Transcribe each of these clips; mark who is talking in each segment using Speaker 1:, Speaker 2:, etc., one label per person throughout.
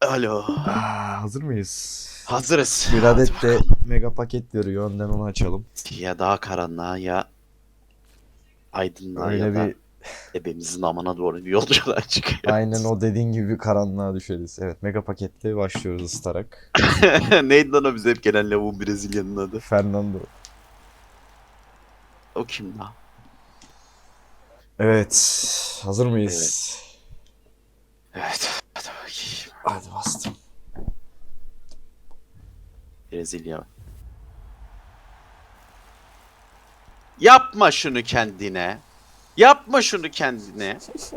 Speaker 1: Alo.
Speaker 2: Hazır mıyız?
Speaker 1: Hazırız.
Speaker 2: Bir
Speaker 1: Hadi
Speaker 2: adet de
Speaker 1: bakalım.
Speaker 2: mega paket veriyor. Önden onu açalım.
Speaker 1: Ya daha karanlığa ya aydınlığa ya
Speaker 2: Öyle
Speaker 1: da
Speaker 2: bir
Speaker 1: ebemizin amına doğru bir yolculuğa
Speaker 2: aynen
Speaker 1: çıkıyoruz.
Speaker 2: o dediğin gibi bir karanlığa düşeriz. Evet, mega paketle başlıyoruz ısıtarak.
Speaker 1: Neydi lan o bize hep gelen lavuğun Brezilya'nın adı?
Speaker 2: Fernando.
Speaker 1: O kim lan?
Speaker 2: Evet. Hazır
Speaker 1: Evet.
Speaker 2: mıyız?
Speaker 1: Evet. Hadi bakayım.
Speaker 2: Hadi bastım.
Speaker 1: Brezilya. Yapma şunu kendine. Yapma şunu kendine.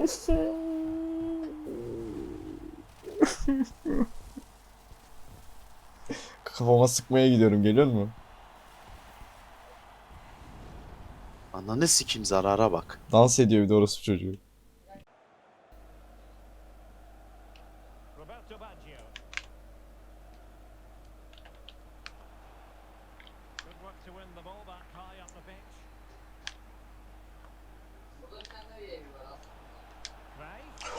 Speaker 2: Kafama sıkmaya gidiyorum. Geliyor mu?
Speaker 1: Ananı sikim zarara bak.
Speaker 2: Dans ediyor bir de orası çocuğu.
Speaker 3: Roberto Baggio. Good work to win the ball back high up the pitch. Cruyff.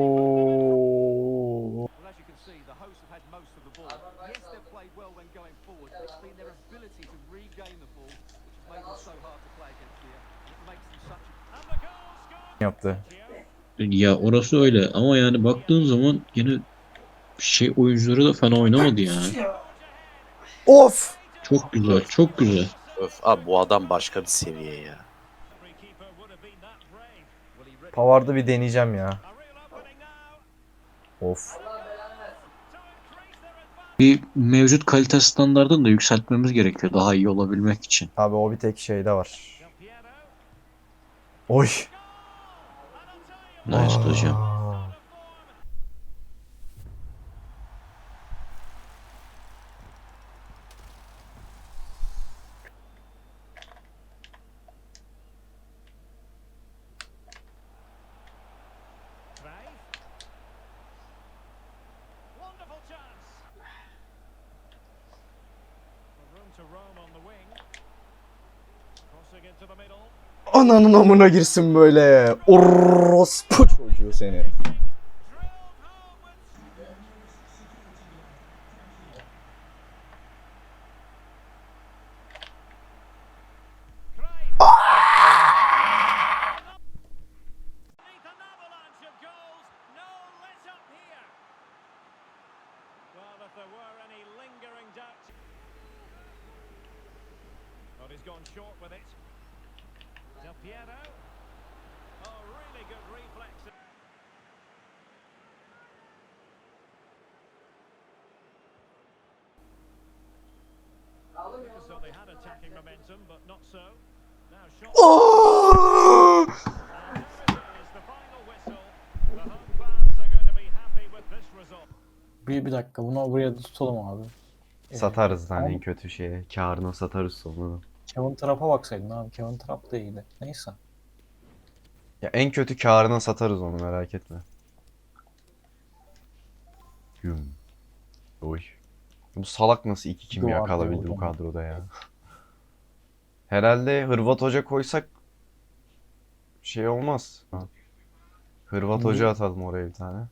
Speaker 2: Ho.
Speaker 4: Well, as you can see, the hosts have had most of the ball. Yes, they've played well when going forward, but it's been their ability to regain the ball which has made them so hard to play against here. And it makes them such a...
Speaker 3: And the goal scored.
Speaker 2: Yaptı.
Speaker 3: Baggio.
Speaker 5: Ya orası öyle ama yani baktığın zaman yine şey oyuncuları da fena oynamadı ya.
Speaker 2: Of!
Speaker 5: Çok güzel, çok güzel.
Speaker 1: Öf abi bu adam başka bir seviye ya.
Speaker 3: Free keeper would have been that brave.
Speaker 4: Well, he ripped
Speaker 2: Pavard'ı bir deneyeceğim ya.
Speaker 3: A real opening now.
Speaker 2: Of.
Speaker 3: To increase their advantage.
Speaker 5: Bir mevcut kalite standartını da yükseltmemiz gerekiyor daha iyi olabilmek için.
Speaker 2: Abi o bir tek şeyde var.
Speaker 3: Del Piero.
Speaker 2: Oy.
Speaker 3: And I'll tell you,
Speaker 5: Nice hocam.
Speaker 2: Aa.
Speaker 3: Cruyff. Wonderful chance. Room to roam on the wing. Crossing into the middle.
Speaker 2: Ananın amına girsin böyle. Orospu çocuğu seni.
Speaker 3: Drilled home with Cruyff. Beneath an avalanche of goals, no let up here. Well, if there were any lingering doubts. But he's gone short with it. Del Piero. Oh, really good reflex. So they had attacking momentum, but not so. Now shot.
Speaker 2: Oh!
Speaker 3: And there it is, the final whistle. The home fans are going to be happy with this result.
Speaker 6: Bir dakika bunu buraya tutalım abi.
Speaker 2: Satarız lan en
Speaker 6: Ama
Speaker 2: kötü şeye. Kârına satarız sonra.
Speaker 6: Kevin Trapp'a baksaydın abi. Kevin Trapp da iyiydi. Neyse.
Speaker 2: Ya en kötü kârına satarız onu, merak etme. Güm. Oy. Bu salak nasıl iki kimya
Speaker 6: Duvar
Speaker 2: kalabildi bu
Speaker 6: oldu.
Speaker 2: kadroda ya. Herhalde Hırvat Hoca koysak şey olmaz. Hırvat
Speaker 6: Niye?
Speaker 2: Hoca atalım oraya bir tane.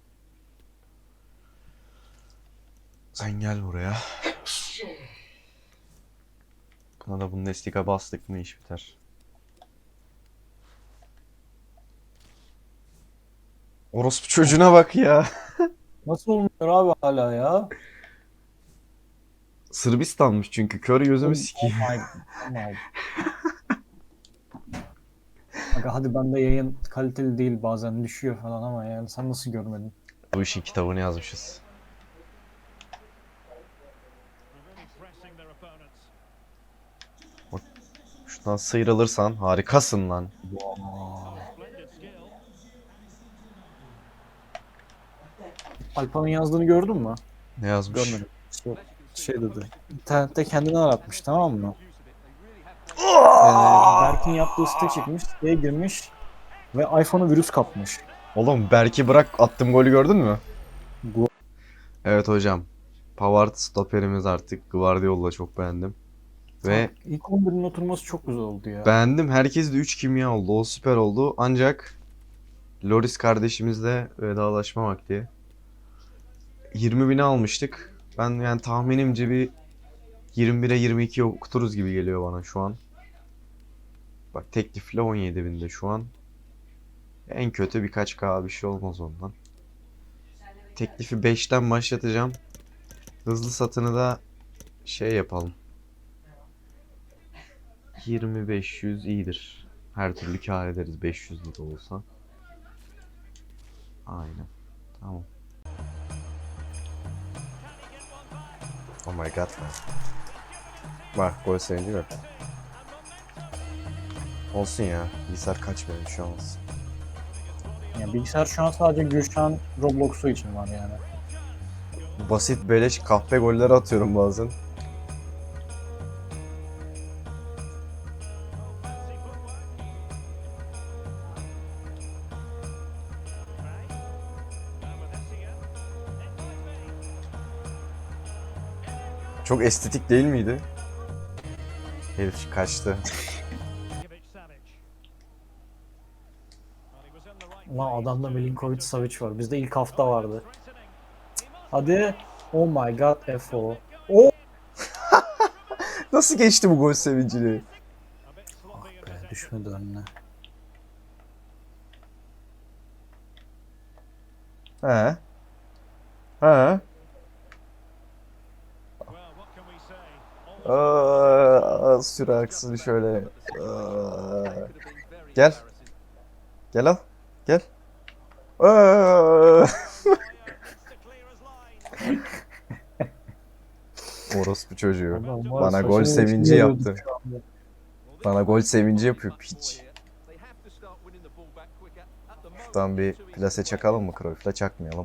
Speaker 2: Sen gel buraya. Buna da Bundesliga bastık mı iş biter. Orospu çocuğuna bak ya.
Speaker 6: Nasıl olmuyor abi hala ya?
Speaker 2: Sırbistanmış çünkü, kör gözümü sikeyim.
Speaker 6: Oh my, oh my. Aga hadi bende yayın kaliteli değil, bazen düşüyor falan ama yani sen nasıl görmedin?
Speaker 2: Bu işin kitabını yazmışız.
Speaker 3: Really pressing their opponents.
Speaker 2: Şuradan sıyrılırsan harikasın lan.
Speaker 3: Splendid skill.
Speaker 6: Alpa'nın yazdığını gördün mü?
Speaker 2: Ne yazmış?
Speaker 6: Görmedim. Şey dedi. İnternette kendini aratmış, tamam mı? Berk'in yaptığı site çıkmış, siteye girmiş ve iPhone'a virüs kapmış.
Speaker 2: Oğlum Berk'i bırak, attım golü gördün mü?
Speaker 6: Bu
Speaker 2: Evet hocam. Pavard stoperimiz artık. Guardiola'yı çok beğendim. Ve
Speaker 6: ilk 11'in oturması çok güzel oldu ya.
Speaker 2: beğendim. Herkes de 3 kimya oldu. O süper oldu. Ancak Loris kardeşimizle vedalaşma vakti. 20.000'e almıştık. Ben yani tahminimce bir 21'e 22'ye okuturuz gibi geliyor bana şu an. Bak teklifle 17.000'de şu an. En kötü birkaç K bir şey olmaz ondan. Teklifi 5'ten başlatacağım. Hızlı satını da şey yapalım. 20-500 iyidir. Her türlü kâr ederiz 500 lira olsa. Aynen. Tamam. Oh my god man. Bak gol sevinci yok. Olsun ya. Bilgisayar kaçmıyor şu an olsun.
Speaker 6: Yani bilgisayar şu an sadece Gülşen Roblox'u için var yani.
Speaker 2: Basit beleş kahpe golleri atıyorum bazen. Çok estetik değil miydi? Herif kaçtı.
Speaker 6: Ulan adamda Milinkovic Savic var. Bizde ilk hafta vardı. Hadi. Oh my god FO. Oh.
Speaker 2: Nasıl geçti bu gol sevincini?
Speaker 6: Ah be, düşmedi önüne.
Speaker 2: He. He. Süre aksın şöyle. Gel. Gel al. Gel. Orospu çocuğu.
Speaker 6: Adam var,
Speaker 2: Bana gol
Speaker 6: saçını
Speaker 2: sevinci
Speaker 6: içine
Speaker 2: yaptı.
Speaker 6: yiyorduk şu anda.
Speaker 2: Bana gol sevinci yapıyor piç. Şuradan bir plase çakalım mı Cruyff'la çakmayalım.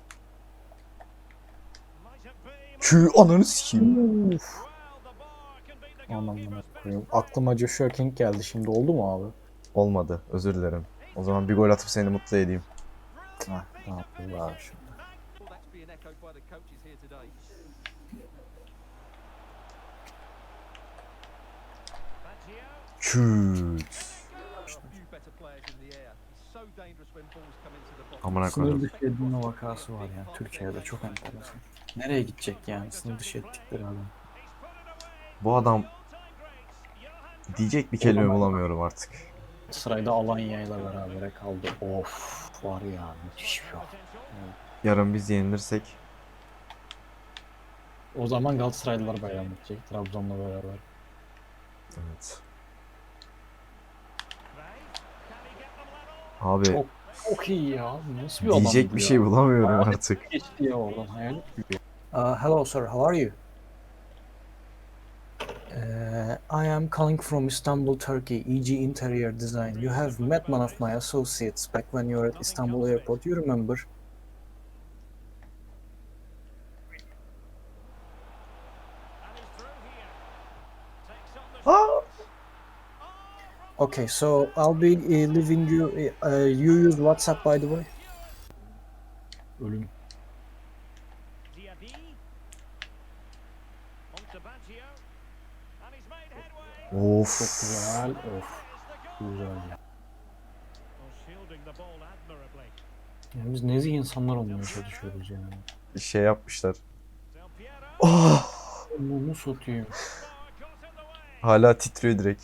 Speaker 2: Kü ananı sikeyim.
Speaker 6: Uf. Anamına koyayım. Aklıma Joshua King geldi şimdi, oldu mu abi?
Speaker 2: Olmadı, özür dilerim. O zaman bir gol atıp seni mutlu edeyim.
Speaker 6: Hah, ne yapayım abi şimdi.
Speaker 2: Küt. Amına
Speaker 6: Sınır
Speaker 2: koydum.
Speaker 6: dışı edilme vakası var ya Türkiye'de, çok enteresan. Nereye gidecek yani sınır dışı ettikleri adam?
Speaker 2: Bu adam diyecek bir kelime bulamıyorum artık.
Speaker 6: Sırayda Alanya'yla beraber kaldı. Of var ya, müthiş bir şey.
Speaker 2: Yarın biz yenilirsek
Speaker 6: O zaman Galatasaraylılar bayram edecek Trabzon'la beraber.
Speaker 2: evet. Abi
Speaker 6: Çok iyi ya. Nasıl bir adam
Speaker 2: diyecek
Speaker 6: bu
Speaker 2: bir
Speaker 6: ya?
Speaker 2: şey bulamıyorum artık.
Speaker 6: Geçti ya oradan, hayal gibi. Hello sir, how are you? I am calling from Istanbul, Turkey, EG Interior Design. You have met one of my associates back when you were at Istanbul Airport. You remember? Okay, so I'll be leaving you. You use WhatsApp, by the way. Ölüm.
Speaker 2: Of.
Speaker 6: Çok güzel. Of. Güzel ya. Yani biz nezih insanlar olmaya çalışıyoruz yani.
Speaker 2: Şey yapmışlar. Oh!
Speaker 6: Onu satayım.
Speaker 2: Hala titriyor direkt.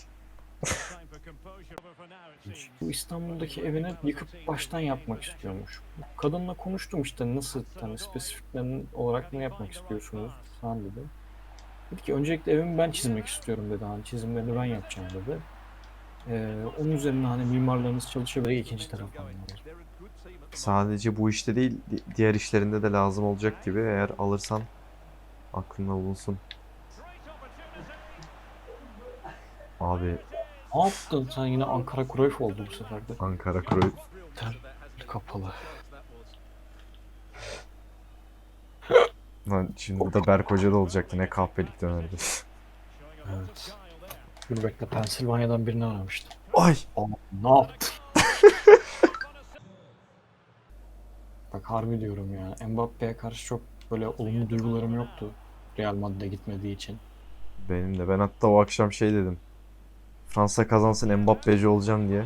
Speaker 6: Bu İstanbul'daki evini yıkıp baştan yapmak istiyormuş. Kadınla konuştum işte, nasıl hani spesifiklerin olarak ne yapmak istiyorsunuz falan dedi. Dedi ki öncelikle evimi ben çizmek istiyorum dedi, hani çizimlerini ben yapacağım dedi. Onun üzerine hani mimarlarınız çalışabilir, ikinci taraftan lazım.
Speaker 2: Sadece bu işte değil, diğer işlerinde de lazım olacak gibi, eğer alırsan aklında bulunsun. Abi
Speaker 6: Ne yaptın sen, yine Ankara Cruyff oldu bu sefer de.
Speaker 2: Ankara Cruyff.
Speaker 6: Kapalı.
Speaker 2: Lan şimdi bu da Berk Hoca da olacaktı, ne kahpelik dönerdi.
Speaker 6: Evet. Dur bekle, Pensilvanya'dan birini aramıştım.
Speaker 2: Ay!
Speaker 6: Ama ne yaptın? Bak harbi diyorum ya, Mbappe'ye karşı çok böyle olumlu duygularım yoktu Real Madrid'e gitmediği için.
Speaker 2: Benim de. Ben hatta o akşam şey dedim. Fransa kazansın Mbappe'ci olacağım diye.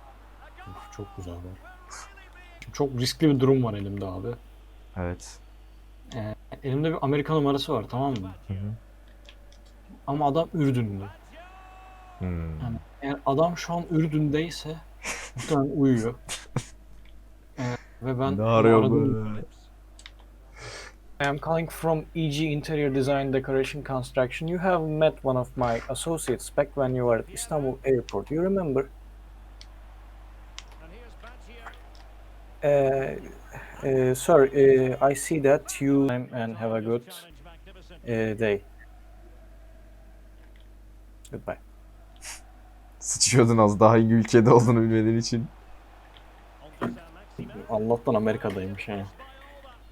Speaker 6: Of, çok güzel var. Şimdi çok riskli bir durum var elimde abi.
Speaker 2: Evet.
Speaker 6: Elimde bir Amerika numarası var, tamam mı?
Speaker 2: Hı hı.
Speaker 6: Ama adam Ürdünlü.
Speaker 2: Hmm.
Speaker 6: Yani eğer adam şu an Ürdün'deyse muhtemelen uyuyor. Ve ben
Speaker 2: Ne
Speaker 6: onu
Speaker 2: arıyor
Speaker 6: aradım.
Speaker 2: bu?
Speaker 6: I am calling from EG Interior Design Decoration Construction. You have met one of my associates back when you were at Istanbul Airport. You remember?
Speaker 3: And here's Baggio.
Speaker 6: Sir, I see that you and have a good
Speaker 3: Challenge magnificent.
Speaker 6: day. Goodbye.
Speaker 2: Sıçıyordun az daha hangi ülkede olduğunu bilmediğin için.
Speaker 3: On to Saint-Maximin.
Speaker 6: Allah'tan Amerika'daymış yani.
Speaker 3: Lost by all that.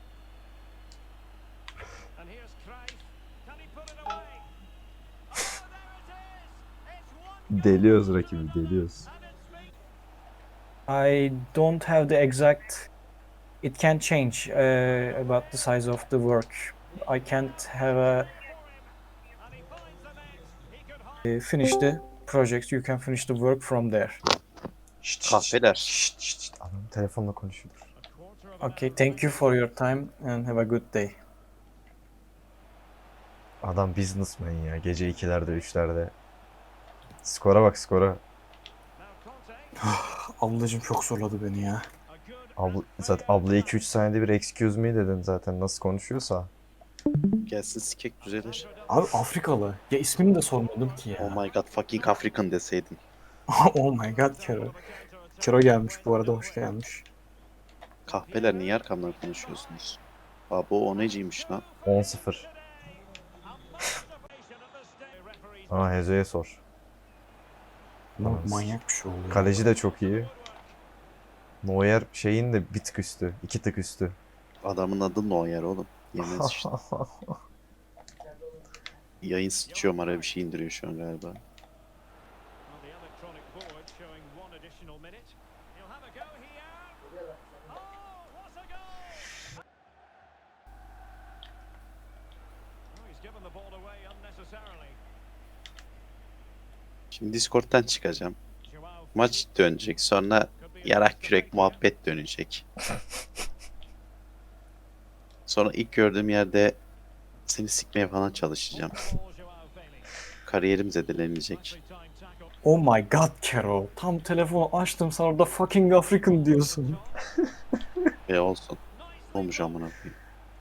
Speaker 3: And here's Cruyff. Can he put it away? Oh, there it is. It's one
Speaker 2: Deliyoruz rakibi, deliyoruz.
Speaker 3: and it's been
Speaker 6: I don't have the exact. It can change about the size of the work. I can't have a
Speaker 3: and he finds the net. He could hold
Speaker 6: finish the project. You can finish the work from there.
Speaker 1: Kahveler.
Speaker 2: Şşt, adam telefonla konuşuyor.
Speaker 3: a quarter of an
Speaker 6: Okay, thank you for your time and have a good day.
Speaker 2: Adam businessman ya. Gece 2'lerde 3'lerde. Skora bak skora.
Speaker 3: Now Conte.
Speaker 6: Ablacım çok zorladı beni ya.
Speaker 3: A good
Speaker 2: Zaten abla 2-3 saniyede bir excuse me dedin zaten nasıl konuşuyorsa.
Speaker 1: Gelsin sikek düzelir.
Speaker 6: Abi Afrikalı. Ya ismini de sormadım ki
Speaker 1: Oh
Speaker 6: ya.
Speaker 1: my god fucking African deseydin.
Speaker 6: Oh my god Kero. Kero gelmiş bu arada, hoş gelmiş.
Speaker 1: Kahveler niye arkamdan konuşuyorsunuz? Abo o neciymiş lan?
Speaker 2: 10-0. Ama Hezo'ya sor.
Speaker 6: Ama manyak bir şey oluyor.
Speaker 2: Kaleci de çok iyi. Neuer şeyin de bir tık üstü. 2 tık üstü.
Speaker 1: Adamın adı Neuer oğlum. Yemez işte. Yayın sıçıyorum araya bir şey indiriyor şu an galiba.
Speaker 3: Well, the electronic board showing one additional minute. He'll have a go here. Oh, what a goal! Oh, he's given the ball away unnecessarily.
Speaker 1: Şimdi Discord'dan çıkacağım.
Speaker 3: Joao
Speaker 1: Maç dönecek. Sonra
Speaker 3: could be
Speaker 1: yarak kürek muhabbet dönecek. Sonra ilk gördüğüm yerde seni sikmeye falan çalışacağım.
Speaker 3: ball, Joao Bailey.
Speaker 1: Kariyerim zedelenecek.
Speaker 3: Nicely timed tackle.
Speaker 6: Oh my god Kero. Tam telefonu açtım, sen orada fucking African diyorsun.
Speaker 1: Ve olsun. Ne olmuş amına koyayım.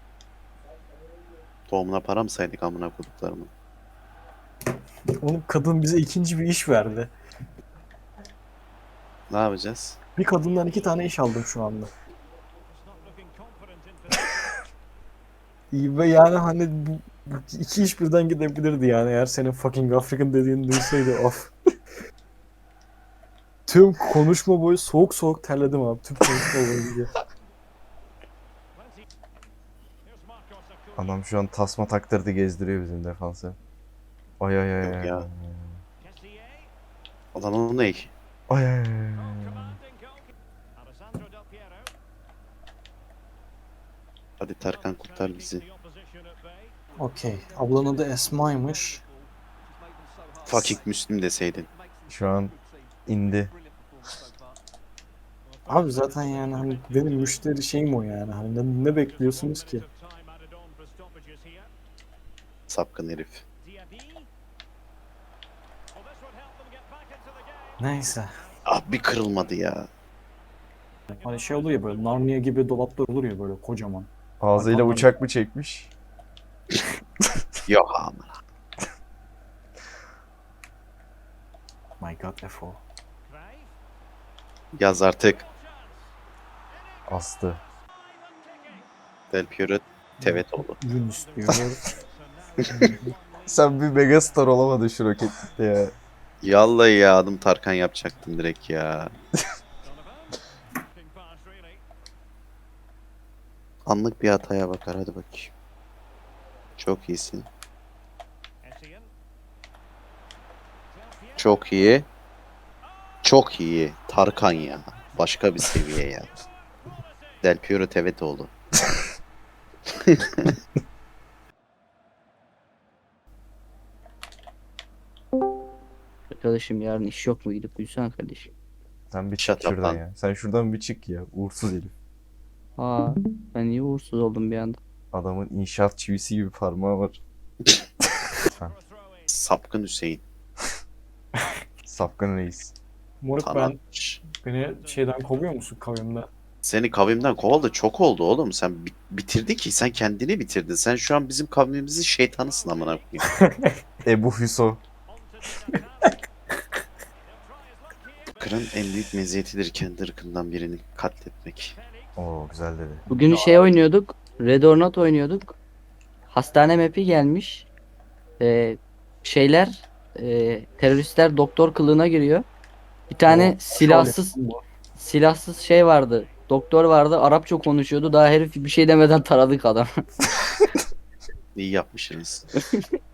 Speaker 1: Doğumuna para mı saydık amına koyduklarımı?
Speaker 6: Oğlum kadın bize ikinci bir iş verdi.
Speaker 1: Ne yapacağız?
Speaker 6: Bir kadından 2 tane iş aldım şu anda.
Speaker 3: Just not looking confident in possession.
Speaker 6: İyi ve yani hani bu iki iş birden gidebilirdi yani eğer senin fucking African dediğini duysaydı of. Tüm konuşma boyu soğuk soğuk terledim abi. Tüm konuşma boyunca.
Speaker 3: Plenty. Here's Marcos Acuna.
Speaker 2: Adam şu an tasma taktırdı gezdiriyor bizim defansı. Ay ay ay
Speaker 1: Yok
Speaker 2: ay.
Speaker 1: ya.
Speaker 3: Kessié.
Speaker 1: Adamın ne?
Speaker 2: Ay ay ay.
Speaker 3: Oh, commanding goal. Alessandro Del Piero.
Speaker 1: Hadi Tarkan kurtar bizi.
Speaker 3: The opposition at bay.
Speaker 6: Okey. Ablanın adı Esma'ymış.
Speaker 1: Fucking Müslüm deseydin.
Speaker 2: Şu an indi.
Speaker 6: Abi zaten yani hani benim müşteri şeyim o yani. Hani ne bekliyorsunuz ki?
Speaker 3: Of time added on for stoppages here.
Speaker 1: Sapkın herif.
Speaker 3: Diaby. Well, this would help them get back into the game.
Speaker 6: Neyse.
Speaker 1: Ah bir kırılmadı ya.
Speaker 6: Hani şey oluyor ya, böyle Narnia gibi dolaplar olur ya böyle kocaman.
Speaker 2: Ağzıyla
Speaker 6: Tamam.
Speaker 2: bıçak mı çekmiş?
Speaker 1: Yok amına.
Speaker 6: My god Efo.
Speaker 3: Cruyff.
Speaker 1: Yaz artık.
Speaker 2: Astı.
Speaker 1: Del Piero Tevetoğlu.
Speaker 6: Ürün istiyor.
Speaker 2: Sen bir megastar olamadın şu rokette ya.
Speaker 1: Yallahi ya adım Tarkan yapacaktım direkt ya.
Speaker 3: Looking fast, really.
Speaker 1: Anlık bir hataya bakar hadi bakayım. Çok iyisin.
Speaker 3: Essien. Del Piero.
Speaker 1: Çok iyi. Çok iyi. Tarkan ya. Başka bir seviye ya. Del Piero Tevetoğlu.
Speaker 7: Arkadaşım yarın iş yok mu, gidip uyusana kardeşim.
Speaker 2: Sen bir
Speaker 1: Shut
Speaker 2: çık
Speaker 1: up
Speaker 2: şuradan
Speaker 1: lan.
Speaker 2: ya. Sen şuradan bir çık ya. Uğursuz herif.
Speaker 7: Aa, ben niye uğursuz oldum bir anda?
Speaker 2: Adamın inşaat çivisi gibi parmağı var. Lütfen.
Speaker 1: Sapkın Hüseyin.
Speaker 2: Sapkın reis.
Speaker 6: Moruk
Speaker 1: Tanatmış.
Speaker 6: beni şeyden kovuyor musun kavimde?
Speaker 1: Seni kavimden kovalı çok oldu oğlum. Sen bitirdin ki. Sen kendini bitirdin. Sen şu an bizim kavmimizin şeytanısın amına koyayım.
Speaker 2: Ebu Hüso.
Speaker 1: Kırın en büyük meziyetidir kendi ırkından birini katletmek.
Speaker 2: Oo güzel dedi.
Speaker 7: Bugün şey oynuyorduk. Red or Not oynuyorduk. Hastane map'i gelmiş. Şeyler teröristler doktor kılığına giriyor. Bir tane silahsız şey vardı. Doktor vardı. Arapça konuşuyordu. Daha herif bir şey demeden taradık adam.
Speaker 1: İyi yapmışsınız.